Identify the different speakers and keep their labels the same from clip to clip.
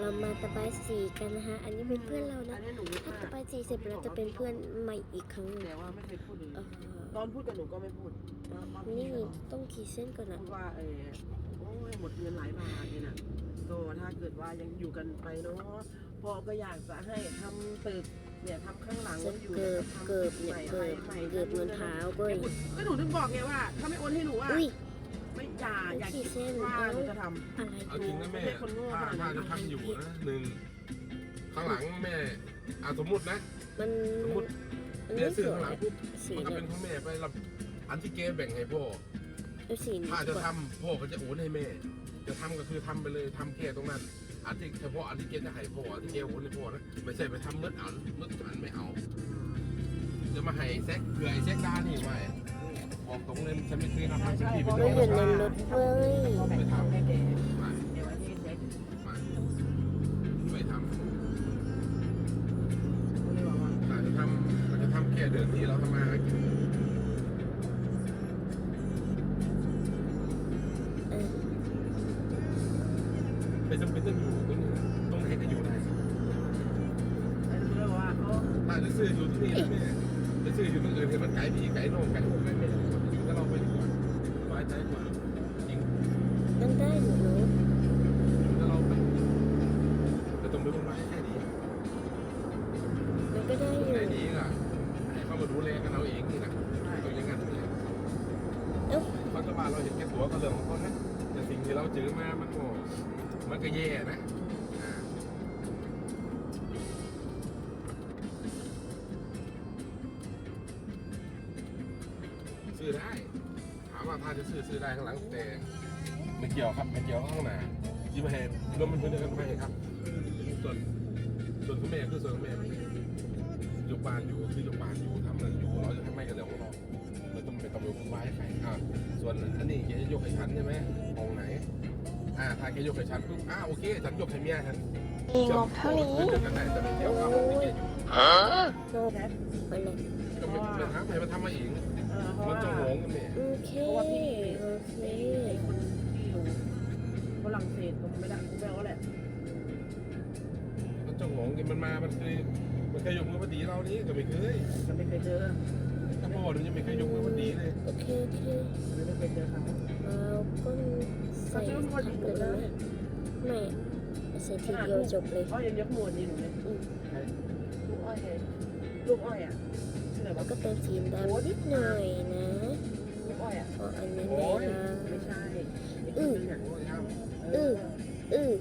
Speaker 1: เรามาตะไบสีกันนะคะอันนี้เป็นเพื่อนเรานะถ้าตะไบสีเสร็จเราจะเป็นเพื่อนใหม่อีกครั้งหนึ่ง
Speaker 2: แต่ว่าไม่เคยพูดเลยตอนพูดกับหนูก็ไม่พูด
Speaker 1: นี่ต้องขีดเส้นก่อนนะ
Speaker 2: พูดว่าโอ้ยหมดเงินหลายบาทเนี่ยนะก็ถ้าเกิดว่ายังอยู่กันไปเนาะพ่อก็อยากจะให้ทำตึกเนี่ยทำข้างหลัง
Speaker 1: จะเกิบเนี่ยเกิบเงินเท้าเว้ย
Speaker 2: ก็หนูถึงบอกไงว่าถ้าไม่โอนให้หนูอ่ะ
Speaker 1: อุ้ย
Speaker 2: ไม่อย่าคิดว่าหนูจะทำ
Speaker 1: อะไร
Speaker 3: เอาจริงนะแม่ถ้าจะทำอยู่นะหนึ่งข้างหลังแม่สมมตินะ
Speaker 1: มัน
Speaker 3: สมมติ
Speaker 1: มัน
Speaker 3: แม่
Speaker 1: ไม่ส
Speaker 3: ซื้อ
Speaker 1: วย
Speaker 3: ข้างหลังปุ๊บ
Speaker 1: สี
Speaker 3: มันก็
Speaker 1: เนี่
Speaker 3: เป็
Speaker 1: ย
Speaker 3: นของแม่ไปรับอันที่เกแบ่งให้พ่อ
Speaker 1: เอาสีนี้
Speaker 3: ถ้า
Speaker 1: ดี
Speaker 3: จะ
Speaker 1: กว่า
Speaker 3: ทำพ่อก็จะโอนให้แม่ จะทำก็คือทำไปเลยทำแค่ตรงนั้นอันที่เฉพาะอันที่เกจะให้พ่ออันที่เกโอนให้พ่อนะไม่ใช่ไปทำมืดอันไม่เอาจะมาให้แซกเผื่อไอ้แซกด้านนี่ไว้บอกตรงเลยฉันไม่เคยทำสักทีเป็น
Speaker 1: เรา
Speaker 3: โด
Speaker 1: อยู่
Speaker 3: น
Speaker 1: ในรถเว้ย
Speaker 3: ไม่ทำ
Speaker 2: ไม่
Speaker 3: ไม่
Speaker 2: เด็ก
Speaker 3: ไม่
Speaker 2: เดี๋ยวไว้ที่เซ็ก
Speaker 3: ไม่ทำ
Speaker 2: เขาเลยบอกว่า
Speaker 3: เราจะทำแค่เดือนที่เราทำมาหากิน
Speaker 1: เออ
Speaker 3: ไม่จำเป็นต้องอยู่ตรงไหนก็อยู่ได้
Speaker 2: แล้วเขาเลยบอกว่าเขา
Speaker 3: ถ้าจะซื้ออยู่ที่นี่แม่จะซื้ออยู่ตรงอื่นเห็นมันไกลพี่ไกลโน่ไกลโน่ไม่อยู่กับเราไปดีกว่าสบายใจกว่าจริง
Speaker 1: นั่นได้หนูรู้
Speaker 3: อยู่กับเราไปแต่ต้องไม่วุ่นวายแค่นี้
Speaker 1: มันก็ได้อยู่
Speaker 3: แค่นี้ล่ะให้เขามาดูแลกันเราเองนี่นะตรงอย่างนั้นเลย
Speaker 1: เอ้า
Speaker 3: รัฐบาลเราเห็นแก่ตัวก็เรื่องของเขานะแต่สิ่งที่เราเจอมามันก็แย่นะซื้อได้ถามว่าถ้าจะซื้อได้ข้างหลังแต่ไม่เกี่ยวครับไม่เกี่ยวข้างหน้ายิ้มแหนรวมมันเป็นเดียวกันไปครับส่วนคุณแม่คือส่วนคุณแม่ยกบ้านอยู่คือยกบ้านอยู่ทำนั่นอยู่เราจะทำไม่กันเรื่องของเราเราต้องไปตำรวจคุณไว้ใครส่วนอันนี้แกจะยกให้ฉันใช่ไหมห้องไหนถ้าแกยกให้ฉันปุ๊บโอเคฉันยกให้เมียฉัน
Speaker 1: มีงบเท่านี้
Speaker 3: จะกันได้แต่ไม่เกี่ยวกับที่แกอยู่
Speaker 1: งบไปเลย
Speaker 3: ก็ไม่เป็นทางให้มันทำมาเอง
Speaker 2: เพราะ
Speaker 3: มัน
Speaker 2: ว่า
Speaker 3: จะงงกันเนี่ย
Speaker 1: โอเค
Speaker 2: เพราะว่าพี่
Speaker 1: โอเค
Speaker 2: ไอ้คนที่อยู่ฝรั่งเศสก็ไม่ได้กูแปลว่าแหละ
Speaker 3: มันจะงงกันมันมามันเคยยกมือพอดีเรานี่ก็ไม่เคย
Speaker 2: ก็ไม่เคยเจอ
Speaker 3: ถ้าพ่อหนูยังไม่เคยยกมือพอดีเลย
Speaker 1: โอเคโอเค
Speaker 2: ไม่เคยเจอเขา
Speaker 1: เราก็ใส่ทับเลยได้ไหมไม่ใส่ทีเดียวจบเลย
Speaker 2: อ้อยยังยกมวลนี่หนูเลยลูกอ้อยไงลูกอ้อยอ่ะชื่ออะไร
Speaker 1: แล้ว
Speaker 2: วะ
Speaker 1: ก็เติมสีดำนิดหน่อยนะ
Speaker 2: ลูกอ้อยอ่ะ
Speaker 1: เพราะอันนี้
Speaker 3: โอ้
Speaker 1: แม่
Speaker 3: ย
Speaker 1: นะ
Speaker 2: ไม่ใช่อีกคนนึงอ่ะ
Speaker 3: โอ้ยครับ
Speaker 1: อืออือ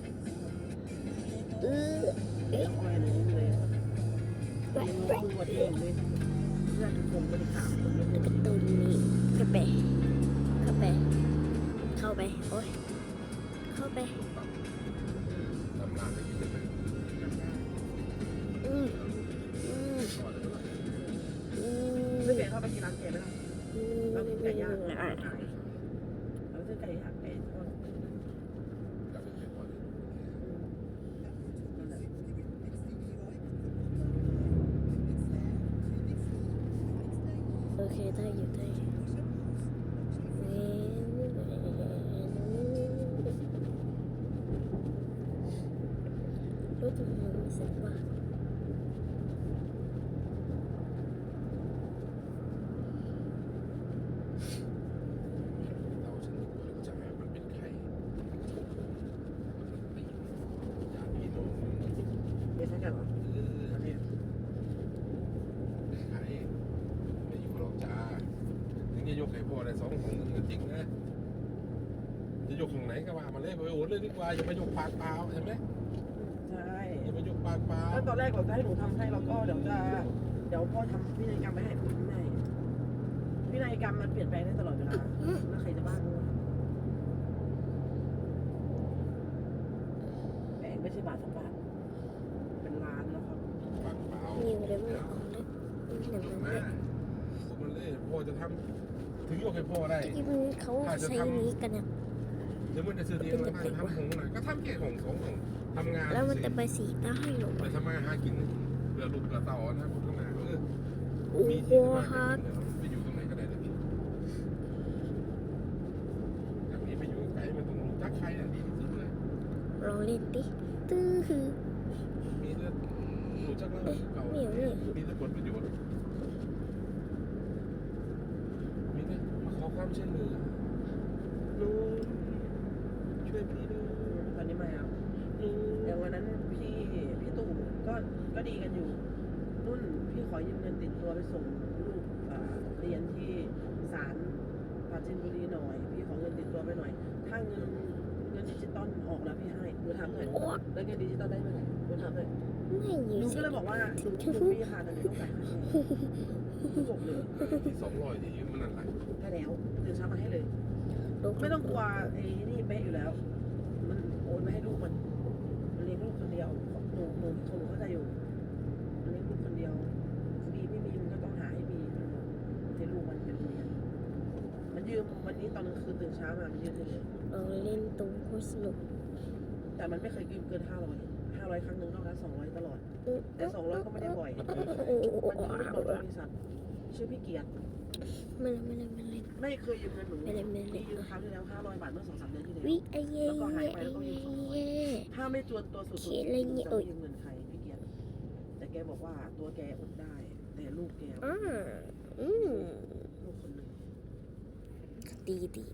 Speaker 2: ลูกอ้อยนี่เลยยังมือวัดเองเลยเพื่อนผมก็ได้ถามคนยกมื
Speaker 1: แล้ว
Speaker 2: อ
Speaker 1: ก็ตูนนี้เข้าไปเข้าไปเข้าไปโอ้ยเข้าไป
Speaker 3: ทำงานได้ยินไหม
Speaker 1: อืมอืมอืม
Speaker 2: ไม่เคยเข้าไปกินร้านแกไหมล่ะ
Speaker 1: อืม
Speaker 2: เรากินไก่ย่าง
Speaker 1: อ่ะ
Speaker 2: เราซื้อไก่ย่างไก่ทอดนั่นแหละ
Speaker 1: โอเคได้อยู่ได้อยู่รู้จักมันไม่เสร็จว่า
Speaker 3: เราฉันจะให้มันเป็นใครญาติพี่น้อง
Speaker 2: ไม่ใช่กันเหรออันนี้
Speaker 3: ใครไม่อยู่หรอกจ้าถึงจะยกให้พ่อได้2 ของก็จริงนะจะยกของไหนก็ว่ามาเลยไปโอนเลยดีกว่าอย่าไปยกปากเปล่าใช่ไหม
Speaker 2: ใช่
Speaker 3: อย่าไปยกปากเปล่า
Speaker 2: แล้วตอนแรกเราจะให้หนูทำให้เราก็เดี๋ยวพ่อทำพินัยกรรมไปให้คุณพินัยกรรมมันเปลี่ยนแปลงได้ตลอดเวลาแล้วใครจะบ้ารู้แต่ไม่ใช่บาท2 บาทเป็นล้านแล้วครับ
Speaker 3: ปากเปล่า
Speaker 1: นิวเลยไม่ออกเลยหนังมัน
Speaker 3: มา
Speaker 1: เลย
Speaker 3: ผมมันเลยพ่อจะทำถึงยกให้พ่อได้
Speaker 1: ที่มันเขาใช้นี้กันเนี่ย
Speaker 3: เดี๋ยวมันจะซื้อเองแล้วทำของหน่อยก็ทำแค่ของของทำงาน
Speaker 1: แล้วมันจะไปสีได้หรอ
Speaker 3: ไปทำมาหากินเรือลูกเรือเต่านะพวกข้างหน้าก็
Speaker 1: โอ้
Speaker 3: มี
Speaker 1: โห
Speaker 3: ที่มา
Speaker 1: ฮัก
Speaker 3: ไปอยู่ตรงไหนก็ได้เลยพี่อย่างนี้ไปอยู่ไกลมันต้องรู้จักใครดีที่สุดเลย
Speaker 1: เราองเล่นดิตื้อคือ
Speaker 3: มีเรื่องรู้จักแล้วเก่า
Speaker 1: เหนียวเนี่ย
Speaker 3: มีแต่ผลประโยชน์มีแต่มาขอความช่วยเหลือลุงช่วยพี่ด้วย
Speaker 2: ตอนนี้ไม่เอา
Speaker 3: ลุง
Speaker 2: แต่วันนั้นพี่ตู่ก็ดีกันอยู่นุ่นพี่ขอยืมเงินติดตัวไปส่งลูกเรียนที่ศาลปราจีนบุรีหน่อยพี่ขอเงินติดตัวไปหน่อยถ้าเงินดิจิตอลออกแล้วพี่ให้หนูถามหน่อยแล้วเงินดิจิตอลได้เมื่อไหร่หนูถามหน่อย
Speaker 1: ไม่ยื
Speaker 2: หนู
Speaker 1: น
Speaker 2: ก็เลยบอกว่าหนูมีค่ะแต่หนูต้องจ่ายค่าแชร์จบเลย
Speaker 3: ที่200ที่ยืมมันนั่นแหละ
Speaker 2: ได้แล้วตื่นเช้ามาให้เลย
Speaker 1: ลูก
Speaker 2: ไม่ต้องกลัวไอ้นี่เป๊ะอยู่แล้ว มันโอนไปให้ลูกมันเลี้ยงลูกคนเดียวหนูเข้าใจอยู่มันเลี้ยงลูกคนเดียวมีไม่มีมันก็ต้องหาให้มีให้ลูกมันเป็นเรียนมันยืมวันนี้ตอนกลางคืนตื่นเช้ามามันยืมให้เลย
Speaker 1: เราเล่นตุ้มโคตรสนุก
Speaker 2: แต่มันไม่เคยยืมเกิน500ครั้งหนึ่งนอกนั้น200ตลอดแต่200ก็ไม่ได้บ่อยมันยืมลูกบริษัทชื่อพี่เกียรติ
Speaker 1: ไม่เล่น
Speaker 2: ไม่เคยยืมเงินหนู
Speaker 1: ไม่เล่น
Speaker 2: พี่ยืมครั้งที่แล้ว500 บาทเมื่อ2-3 เดือนที่แล้ว
Speaker 1: วิไอเย่
Speaker 2: แล้วก็หายไปแล้วก็ยืม200 ถ้าไม่จวนตัวสุดๆจะไม่ยืมเงินใครพี่เกียรติแต่แกบอกว่าตัวแกอดได้ แต่ลูกแก ลูกคนหนึ่ง
Speaker 1: ดี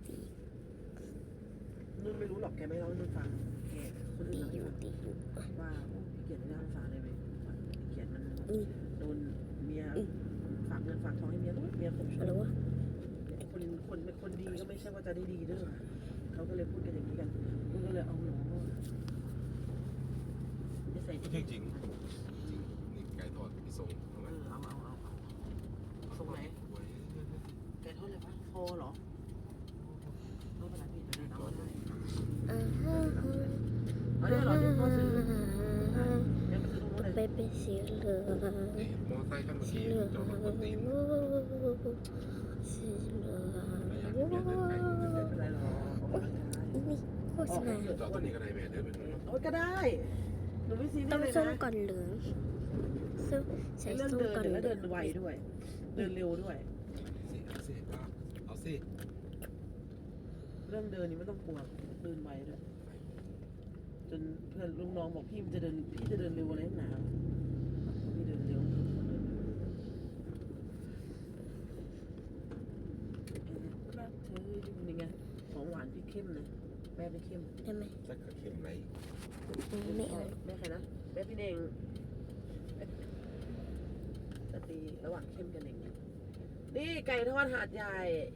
Speaker 2: นุ่นไม่รู้หรอกแกไม่เล่าให้นุ่นฟังแกคนอื่น
Speaker 1: ดี
Speaker 2: เล่า
Speaker 1: อ
Speaker 2: ให้
Speaker 1: ยู่
Speaker 2: ฟังว่าพี่เกียรติไม่น่าสงสารเลยเว้ยพี่เกียรติมัน
Speaker 1: นี่
Speaker 2: โดนเมียฝากเงินฝากทองให้เมียเมียข่ม
Speaker 1: อะไร
Speaker 2: ขืน
Speaker 1: วะ
Speaker 2: คนเป็นคนดีก็ไม่ใช่ว่าจะได้ดีเด้อเขาก็เลยพูดกันอย่างนี้กันนุ่นก็เลยเอาหนูจะใส่
Speaker 3: จริงจริงนี่ไก่ทอดพี่ส่งทำไม
Speaker 2: เอาส่งไหนแกเท่าไหร่ปะโฟเหรอไม่เป็นไรพี่จะได้เอาได้เอาได้เหรอที่พ่อซื้อเดี๋ยวไปซื้อตรงนู้นเลย
Speaker 1: ไปเป็นสีเหลือง
Speaker 3: ไอ้มอไซค์คันเมื่อ
Speaker 1: สี
Speaker 3: กี้
Speaker 1: เหลือง
Speaker 3: จอดรถบนตีน
Speaker 1: สีเหลือง
Speaker 3: ไม่อยากเดินไกล
Speaker 2: ไม่เป็นไรหรอก
Speaker 1: นี่โฆษณา
Speaker 3: จอดตัวนี้ก็ได้แม่เดินไปตรงนู้น
Speaker 2: โอ้ยก็ได้หนูไม่ซีเรี
Speaker 1: ต้
Speaker 2: ย
Speaker 1: อง
Speaker 2: สเลย
Speaker 1: ส้ม
Speaker 2: นะ
Speaker 1: ก่อนเหลืองส้มใส่
Speaker 2: เรื่อง
Speaker 1: ส้ม
Speaker 2: เดิน
Speaker 1: ก่อน
Speaker 2: แล้ว
Speaker 1: เหลื
Speaker 2: เดิ
Speaker 1: อง
Speaker 2: นไวด้วย เดินเร็วด้วย
Speaker 3: เอาสิ
Speaker 2: เรื่องเดินนี่ไม่ต้องกลัวเดินไวด้วยจนเพื่อนลุงน้องบอกพี่จะเดินเร็วอะไรนักหนาพี่เดินเร็วรักเธออยู่นี่ไงของหวานพี่เข้มเลยแม่พี่เข้ม
Speaker 1: ได้ไหม
Speaker 3: จะกระเข็มไหน
Speaker 1: ไม่เอา
Speaker 2: แม่ใครนะแม่พี่เน่งจะตีระหว่างเข้มกับเน่งนี่ไก่ทอดหาดใหญ่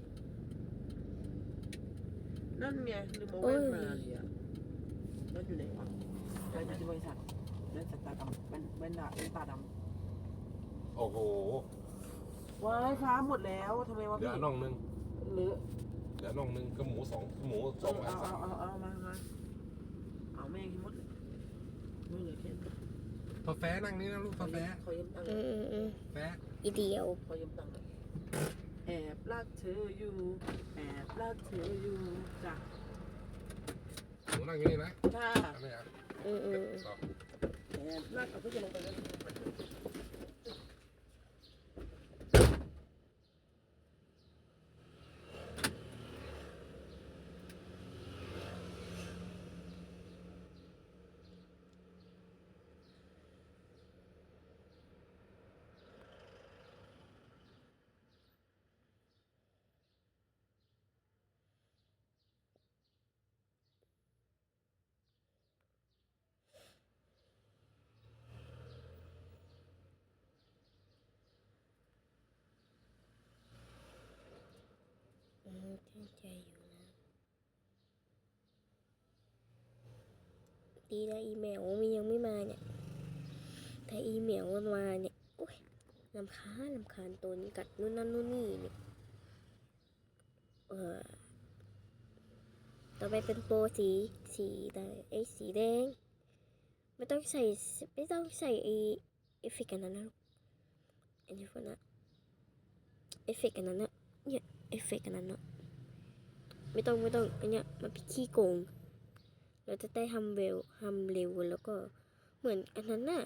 Speaker 2: นั่นไงลืมเอาแว่นมาเลยอ่ะนั่นอยู่ไหนวะแว่นอยู่ที่บริษัทแว่นตาดำแว่นตาด
Speaker 3: โอ้โห
Speaker 2: ำว้ายฟ้าหมดแล้วทำไมวะ
Speaker 3: เหลื
Speaker 2: พี่
Speaker 3: อน่องนึง
Speaker 2: หรือ
Speaker 3: เหลือน่องนึงก็หมูสองไอ้
Speaker 2: เอา
Speaker 3: สาม
Speaker 2: เอามาเอาแม่กินหมดไม่เหลือแค่
Speaker 3: พอแฟนั่งนี่นะลูกพอแฟ
Speaker 2: ขอยืมตังค์
Speaker 3: แฟ
Speaker 1: อีเดียว
Speaker 2: ขอยืมตังค์แอบรักเธออยู่แอบรักเธออยู่จ้ะ
Speaker 3: หมูนั่งอย่างนี้นะ
Speaker 2: ค่ะ
Speaker 3: ไม่เอา ต่อ
Speaker 2: แอบรักเอาเพื่อจะลงไปแล้ว
Speaker 1: ตั้งใจอยู่นะดีนะอีเมลมันยังไม่มาเนี่ยถ้าอีเมลมันมาเนี่ยโอ้ยลำคาญตัวนี้กัดนู่นนั่นนู่นนี่เนี่ยต่อไปเป็นโปรสีได้สีแดงไม่ต้องใส่ไอเอฟเฟกต์อันนั้นนะลูกอันนี้พวกนั้นเอฟเฟกต์อันนั้นนะเนี่ยเอฟเฟกต์อันนั้นนะไม่ต้องอันเนี้ยมันเป็นขี้โกงเราจะได้ทำเร็วแล้วก็เหมือนอันนั้นน่ะ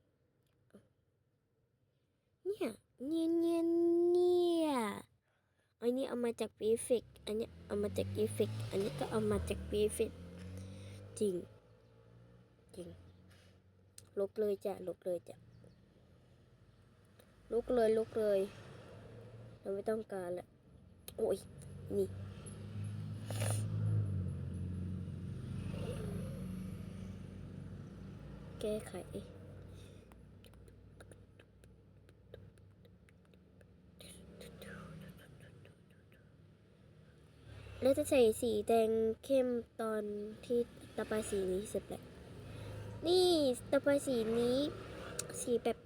Speaker 1: เนี่ยอันนี้เอามาจากวีเฟกอันนี้เอามาจากวีเฟกอันนี้ก็เอามาจากวีเฟกจริงจริงลบเลยจ้ะลบเลยจ้ะลบเลยลบเลยเราไม่ต้องการละโอ้ยนี่แก้ไขแล้วจะใส่สีแดงเข้มตอนที่ระบายสีนี้เสร็จแล้วนี่ระบายสีนี้สีแบบ